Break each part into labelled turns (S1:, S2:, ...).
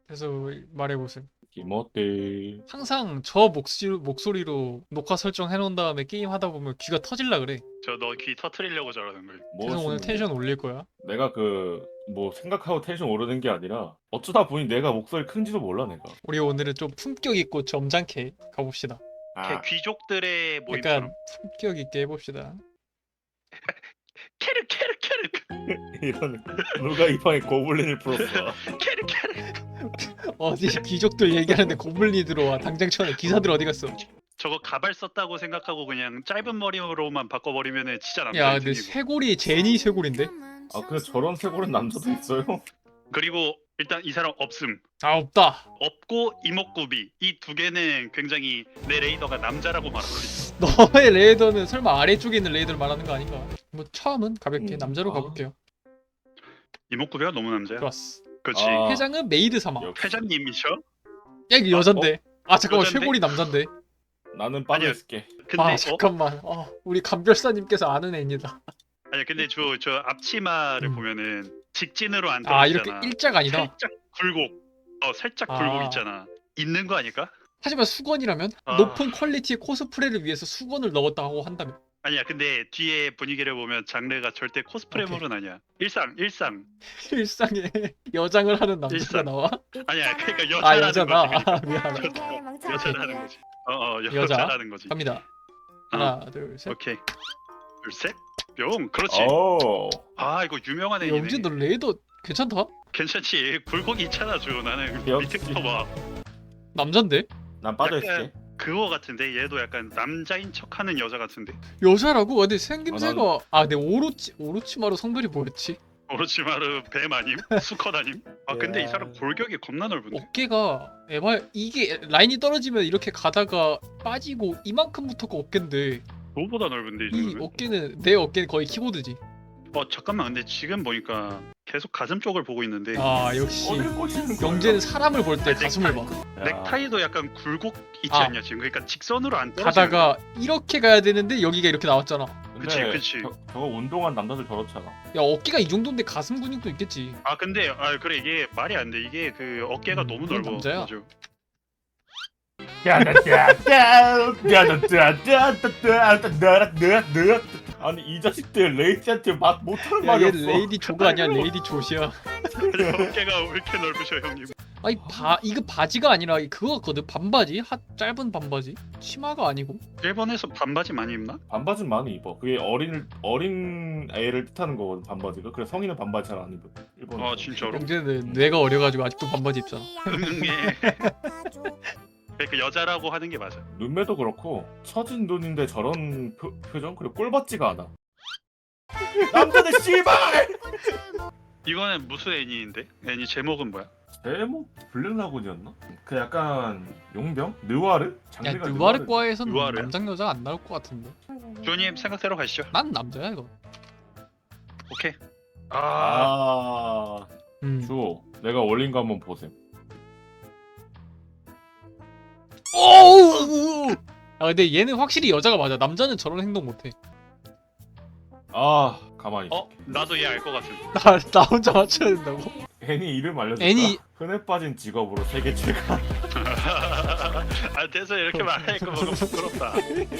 S1: 그래서 말해보세요.
S2: 김어때.
S1: 항상 저 목소리로 녹화 설정해 놓은 다음에 게임 하다 보면 귀가 터질라 그래.
S3: 저 너 귀 터트리려고 저러는 걸.
S1: 그래서 오늘 텐션 올릴 거야.
S2: 내가 뭐 생각하고 텐션 오르는 게 아니라 어쩌다 보니 내가 목소리 큰지도 몰라 내가.
S1: 우리 오늘은 좀 품격 있고 점잖게 가봅시다.
S2: 아,
S3: 귀족들의 모임처럼.
S1: 약간 품격 있게 해봅시다.
S3: 캐르 캐르 캐르
S2: 이런 누가 이 방에 고블린을 풀었어?
S3: 캐르 캐르.
S1: 어디 귀족들 얘기하는데 고블린이 들어와. 당장 쳐내. 기사들 어디 갔어?
S3: 저거 가발 썼다고 생각하고 그냥 짧은 머리로만 바꿔버리면은 진짜 남자.
S1: 야 근데 쇄골이 제니 쇄골인데?
S2: 아 근데 저런 쇄골은 남자도 있어요?
S3: 그리고 일단 이 사람 없음.
S1: 아 없다.
S3: 없고 이목구비 이 두 개는 굉장히 내 레이더가 남자라고 말하고 있어.
S1: 너의 레이더는 설마 아래쪽에 있는 레이더를 말하는 거 아닌가? 뭐 처음은 가볍게 남자로
S2: 아.
S1: 가볼게요.
S3: 이목구비가 너무 남자야.
S1: 좋았어.
S3: 그렇지.
S2: 아.
S1: 회장은 메이드 사마. 야
S2: 역시.
S3: 회장님이셔?
S1: 이게 여잔데. 아 잠깐만
S3: 여잔데?
S1: 쇄골이 남잔데.
S2: 나는 빠져
S3: 아니야.
S2: 있을게.
S3: 근데
S1: 아 잠깐만. 우리 감별사님께서 아는 애입니다.
S3: 아니 근데 저 앞치마를
S1: 음.
S3: 보면은 직진으로 안
S1: 아
S3: 떨어지잖아.
S1: 이렇게 일자가 아니다.
S3: 살짝 굴곡. 살짝
S1: 아.
S3: 굴곡 있잖아. 있는 거 아닐까?
S1: 하지만 수건이라면
S3: 아.
S1: 높은 퀄리티의 코스프레를 위해서 수건을 넣었다고 한다면
S3: 아니야. 근데 뒤에 분위기를 보면 장르가 절대 코스프레물은 아니야. 일상.
S1: 일상에 여장을 하는 남자가
S3: 일상.
S1: 나와?
S3: 아니야. 그러니까
S1: 아
S3: 여자라는
S1: 여자다.
S3: 거지. 그러니까.
S1: 아, 미안하다.
S3: 여자라는 거지.
S1: 여자.
S3: 여자라는 거지.
S1: 갑니다. 하나 둘 셋.
S3: 오케이. 둘 셋. 뿅. 그렇지.
S2: 오.
S3: 아 이거 유명한 애이네.
S1: 영진 너 레이더 괜찮다?
S3: 괜찮지. 굴곡이 있잖아 주. 나는
S2: 역시.
S3: 밑에부터 봐.
S1: 남잔데?
S2: 난 빠져
S3: 약간
S2: 있을게.
S3: 그거 같은데 얘도 약간 남자인 척하는 여자 같은데.
S1: 여자라고? 근데 생김새가
S2: 아,
S1: 근데 오로치마루 성별이 뭐였지?
S3: 오로치마르 뱀 아님? 수컷 아님? 아 근데 이 사람 골격이 겁나 넓은데.
S1: 어깨가 이게 라인이 떨어지면 이렇게 가다가 빠지고 이만큼부터가 어깨인데
S3: 너보다 넓은데 이
S1: 이
S3: 정도면?
S1: 어깨는 내 어깨는 거의 키보드지.
S3: 잠깐만 근데 지금 보니까 계속 가슴 쪽을 보고 있는데
S1: 아 역시
S2: 어딜 꼬시는 거야?
S1: 영재는 사람을 볼 때
S3: 아니,
S1: 가슴을 봐.
S2: 야.
S3: 넥타이도 약간 굴곡 있지
S1: 아.
S3: 않냐 지금. 그러니까 직선으로 안 떨어지는 거야.
S1: 가다가 이렇게 가야 되는데 여기가 이렇게 나왔잖아.
S2: 근데
S3: 그치.
S2: 저거 운동한 남자들 저렇잖아.
S1: 야 어깨가 이 정도인데 가슴 근육도 있겠지.
S3: 근데 그래 이게 말이 안 돼. 이게 그 어깨가 너무
S1: 그건
S3: 넓어.
S1: 남자야.
S3: 맞아.
S2: 아니 이 자식들 레이지한테 막 못하는
S1: 야
S2: 말이
S1: 얘
S2: 없어.
S1: 레이디 조가 아니야 레이디 조시야.
S3: 어깨가 왜 이렇게 넓으셔 형님?
S1: 아니 이거 바지가 아니라 그거 같거든. 반바지? 짧은 반바지? 치마가 아니고.
S3: 일본에서 반바지 많이 입나?
S2: 반바지는 많이 입어. 그게 어린 애를 뜻하는 거거든 반바지가. 그래 성인은 반바지 잘 안 입어. 일본.
S3: 진짜로?
S1: 영재는 뇌가 어려가지고 아직도 반바지 입잖아.
S3: 응애. 그 여자라고 하는 게 맞아.
S2: 눈매도 그렇고 처진 눈인데 저런 표정 그리고 꼴 받지가 않아. 남자들 씨발.
S3: 이거는 무슨 애니인데? 애니 제목은 뭐야?
S2: 제목 블랙라군이었나? 그 약간 용병? 느와르?
S1: 야
S2: 장르가
S1: 느와르과에선
S3: 느와르야?
S1: 남장 여자 안 나올 것 같은데.
S3: 조님 생각대로 가시죠.
S1: 난 남자야 이거.
S3: 오케이.
S2: 아,
S1: 음.
S2: 주 내가 올린 거 한번 보셈.
S1: 오우! 근데 얘는 확실히 여자가 맞아. 남자는 저런 행동 못해.
S2: 아, 가만히 있어.
S3: 나도 얘 알 것 같은데.
S1: 나 혼자 맞춰야 된다고?
S2: 애니 이름 알려줄까?
S1: 애니-
S2: 흔해 빠진 직업으로 세계 최강.
S3: 돼서 이렇게 말하니까 뭔가 부끄럽다.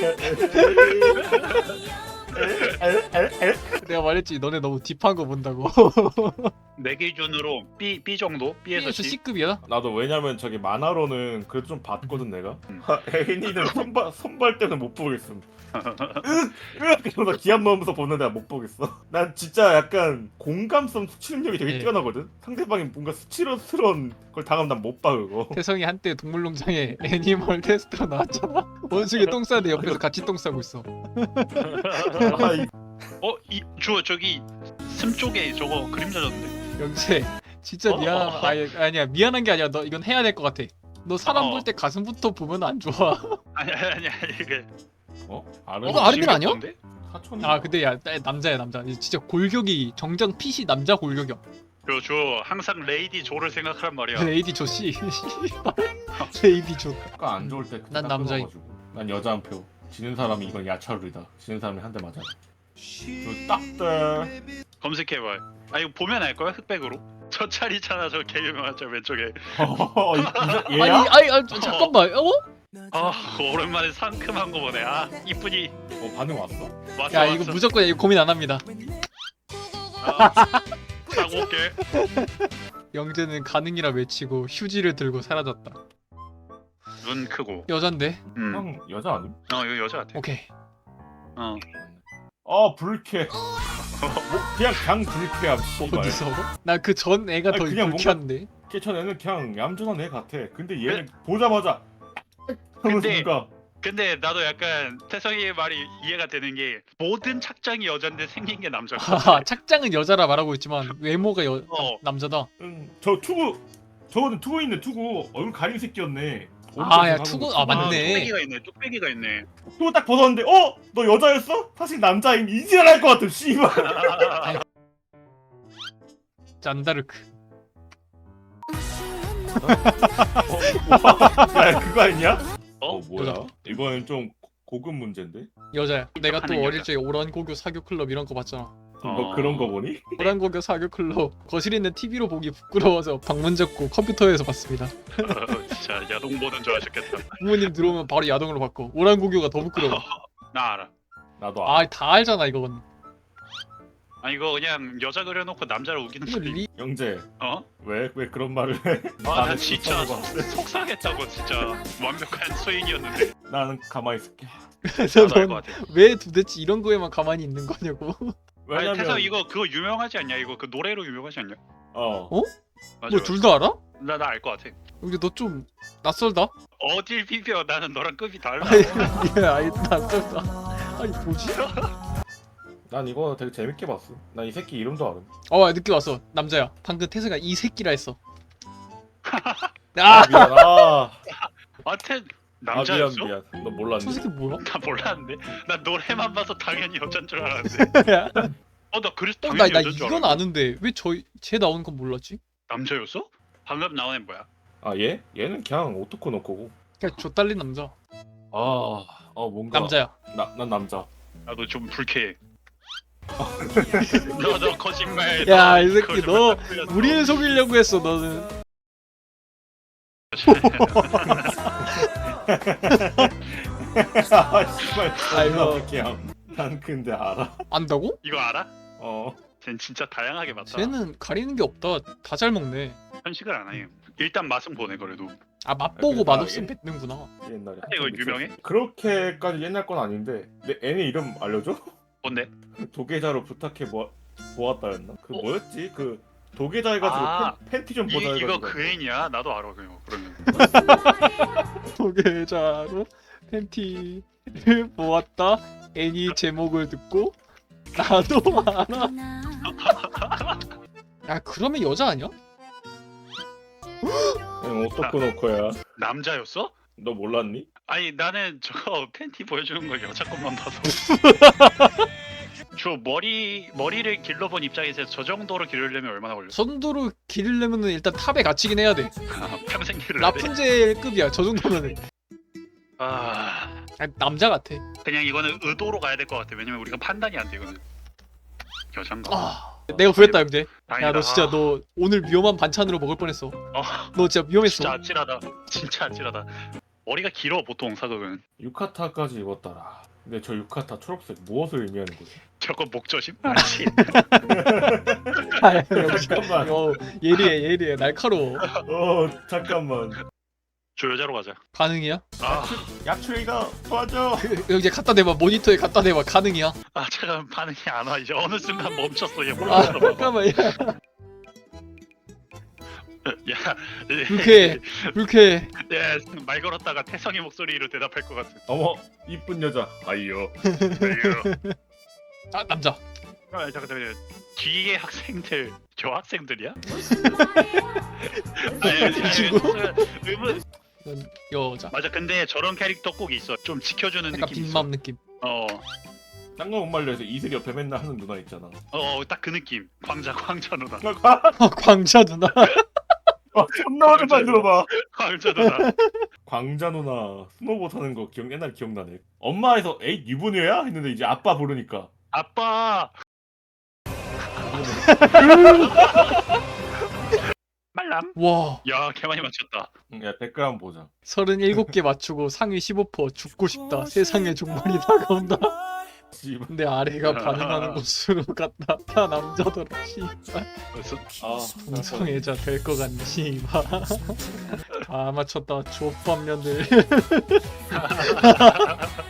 S1: 내가 말했지 너네 너무 딥한 거 본다고.
S3: 내 기준으로 B 정도? B에서
S1: B에서
S3: C.
S1: C급이야?
S2: 나도 왜냐면 저기 만화로는 그래도 좀 봤거든 내가.
S3: 음.
S2: 애니는 손발 때는 못 보겠음. 그러다 기합 넣으면서 보는데 못 보겠어. 난 진짜 약간 공감성 수치능력이 되게
S1: 예.
S2: 뛰어나거든. 상대방이 뭔가 수치스러운 걸 당하면 난 못 봐 그거.
S1: 태성이 한때 동물농장에 애니멀 테스트가 나왔잖아. 원숭이 똥 싸는데 옆에서 같이 똥 싸고 있어.
S2: 아,
S3: 저기 숨 쪽에 저거 그림 젖었는데.
S1: 영재 진짜 아니야 미안한 게 아니야. 너 이건 해야 될 것 같아. 너 사람
S3: 어.
S1: 볼 때 가슴부터 보면 안 좋아.
S3: 아니 이게.
S2: 아르
S1: 어, 아르민 아니야?
S3: 신기했던데?
S2: 사촌.
S1: 근데 야 남자야 남자. 진짜 골격이 정장 핏이 남자 골격이야.
S3: 저 항상 레이디 조를 생각하란 말이야.
S1: 레이디 조씨. 레이디 조.
S2: 약간 안 좋을 때.
S1: 난 남자인.
S2: 난 여자 한 표. 지는 사람이 이건 야차룰이다. 지는 사람이 한 대 맞아. 그 딱들.
S3: 검색해봐. 이거 보면 알 거야 흑백으로. 저 차리잖아 저 개 유명한 저 왼쪽에.
S2: 얘야?
S1: 잠깐만.
S3: 아 오랜만에 상큼한 거 보네. 아 이쁘니.
S2: 반응 왔어?
S3: 왔어
S1: 야
S3: 왔어.
S1: 이거 무조건 이거 고민 안 합니다.
S3: 사고 올게.
S1: 영재는 가능이라 외치고 휴지를 들고 사라졌다.
S3: 눈 크고.
S1: 여잔데?
S2: 형 여자 아님?
S3: 이거 여자 같아.
S1: 오케이.
S2: 불쾌. 그냥 불쾌함. 씨발.
S1: 어디서? 나 그 전 애가
S2: 아니,
S1: 더
S2: 그냥
S1: 불쾌한데.
S2: 걔전 애는 그냥 얌전한 애 같아. 근데 얘는 보자마자 하면서
S3: 근데-
S2: 뭔가
S3: 근데 나도 약간 태성이의 말이 이해가 되는 게 모든 착장이 여잔데 생긴 게 남자.
S1: 하하, 착장은 여자라 말하고 있지만 외모가 남자다.
S2: 저 투구 저거는 투구 있네. 투구 얼굴 가린 새끼였네.
S1: 아, 야, 투구- 아, 맞네.
S3: 뚝배기가 있네. 뚝배기가 있네.
S2: 투구 딱 벗었는데 너 여자였어? 사실 남자임. 이지랄할 것 같아. 씨발.
S1: 잔다르크.
S2: 야 그거 아니냐? 뭐야?
S1: 여자.
S2: 이거는 좀 고급 문제인데.
S1: 여자야. 내가 또
S3: 하는
S1: 어릴
S3: 여자.
S1: 적에 오란고교 사교 클럽 이런 거 봤잖아.
S2: 너 그런 거 보니?
S1: 오란고교 사교 클럽 거실에 있는 TV로 보기 부끄러워서 방문 잡고 컴퓨터에서 봤습니다.
S3: 진짜 야동 보는 줄 아셨겠다.
S1: 부모님 들어오면 바로 야동으로 바꿔. 오란고교가 더 부끄러워.
S3: 나 알아.
S2: 나도 알아.
S1: 다 알잖아 이건.
S3: 아 이거 그냥 여자 그려놓고 남자를 우기는
S1: 이거
S3: 소리.
S1: 리...
S2: 영재
S3: 어?
S2: 왜 그런 말을 해?
S3: 나
S2: 나는
S3: 진짜
S2: 속상하고.
S3: 속상했다고 진짜 완벽한 수인이었는데.
S2: 나는 가만히 있을게.
S1: 그래서
S3: 나도 알 것
S1: 넌
S3: 같아.
S1: 왜 도대체 이런 거에만 가만히 있는 거냐고.
S3: 아니 태성
S2: 왜냐면
S3: 이거 그거 유명하지 않냐? 이거 그 노래로 유명하지 않냐? 맞아.
S1: 뭐 둘 다 알아?
S3: 나 알 것 같아.
S1: 여기 너 좀 낯설다?
S3: 어딜 비벼? 나는 너랑 급이 달라.
S1: 아이 낯설다. 아니 뭐지?
S2: 난 이거 되게 재밌게 봤어. 난 이 새끼 이름도
S1: 어 느낌 왔어. 남자야. 방금 태세가 이 새끼라 했어.
S2: 알아. 미안.
S3: 아무튼
S2: 미안
S3: 남자였어?
S2: 미안. 너
S1: 저
S2: 몰랐니?
S1: 새끼 뭐야?
S3: 나 몰랐는데. 나 노래만 봐서 당연히 여잔 줄 알았는데.
S1: 야,
S3: 나 그래서
S1: 나
S3: 당연히 여잔 줄
S1: 이건
S3: 알았는데.
S1: 아는데 왜 쟤 나오는 건 몰랐지?
S3: 남자였어? 방금 나온 애 뭐야?
S2: 얘? 얘는 그냥 오토코 노코고.
S1: 그냥 좆달린 남자.
S2: 뭔가
S1: 남자야.
S2: 난 남자.
S3: 나도 좀 불쾌해. 너 거짓말.
S1: 야, 이 새끼, 너
S3: 거짓말
S1: 우리를 속이려고 했어 너는.
S2: 씨발.
S1: 아이고.
S2: 그냥. 난 근데 알아.
S1: 안다고?
S3: 이거 알아?
S2: 어.
S3: 쟨 진짜 다양하게 봤다.
S1: 쟤는 가리는 게 없다. 다 잘 먹네.
S3: 편식을 안 해. 일단 맛은 보네 그래도.
S1: 아 맛보고
S2: 그래,
S1: 맛없으면 뱉는구나.
S2: 옛날에.
S3: 이거 유명해?
S2: 그렇게까지 옛날 건 아닌데. 내 애네 이름 알려줘?
S3: 뭔데?
S2: 도계자로 부탁해 보았다였나? 그 뭐였지? 그 도계자 해가지고
S3: 아,
S2: 팬티 좀 보자 해가지고.
S3: 이거 그 애냐? 나도 알아 그거 그러면.
S1: 소개자로 팬티를 보았다. 애니 제목을 듣고 나도 알아. 야 그러면 여자 아니야?
S2: 오토코 노코야.
S3: 남자였어?
S2: 너 몰랐니?
S3: 아니 나는 저거 팬티 보여주는 거 여자 것만 봐서. 저 머리를 길러본 입장에서 저 정도로 기르려면 얼마나 걸려?
S1: 선도로 기르려면은 일단 탑에 갇히긴 해야 돼.
S3: 평생 기르려 돼?
S1: 라푼젤급이야 저 정도면은.
S3: 아
S1: 아니, 남자 같아.
S3: 그냥 이거는 의도로 가야 될 것 같아. 왜냐면 우리가 판단이 안 돼 이거는. 여잔가?
S1: 내가 구했다 형제.
S3: 다행이다.
S1: 야 너 진짜 너 오늘 위험한 반찬으로 먹을 뻔했어. 너 진짜 위험했어.
S3: 진짜 아찔하다. 진짜 아찔하다. 머리가 길어 보통 사극은.
S2: 유카타까지 입었더라. 근데 저 유카타 초록색 무엇을 의미하는 거지?
S3: 저거 목조심? 아니지.
S1: 아, 역시.
S2: 잠깐만.
S1: 예리해 날카로워.
S2: 잠깐만.
S3: 저 여자로 가자.
S1: 가능이야?
S2: 야추이가 도와줘.
S1: 이제 갖다 대봐 모니터에 갖다 대봐 가능이야?
S3: 잠깐 반응이 안 와. 이제 어느 순간 멈췄어. 얘
S1: 아
S3: 몰랐어. 봐봐.
S1: 잠깐만 야
S3: 야,
S1: 불쾌해.
S3: 말 걸었다가 태성의 목소리로 대답할 것 같은.
S2: 어머 이쁜 여자. 아이요.
S1: 아 남자.
S3: 잠깐만. 뒤에 학생들 여학생들이야?
S1: 이 친구?
S3: 의문.
S1: 이건 여자.
S3: 맞아. 근데 저런 캐릭터 꼭 있어. 좀 지켜주는
S1: 약간
S3: 느낌 있어.
S1: 빈맘 느낌.
S2: 딴거 못 말려서 이슬 옆에 맨날 하는 누나 있잖아.
S3: 딱 그 느낌. 광자 누나.
S1: 광자 누나.
S2: 존나 오랜만에 들어봐.
S3: 광자 누나.
S2: 광자 누나 스노보 타는 거 옛날 기억나네. 엄마에서 에이 유부녀야? 했는데 이제 아빠 부르니까
S3: 아빠. 말랑.
S1: 와
S3: 야, 개 많이 맞췄다.
S2: 야 댓글 한번 보자.
S1: 37개 맞추고 상위 15% 죽고 싶다. 세상의 종말이 다가온다.
S2: 씨발.
S1: 근데 아래가 반응하는 곳으로 갔다. 다 남자더라. 씨발.
S2: 아
S1: 동성애자 될 것 같네. 씨발. 아 맞췄다. 족밥년들.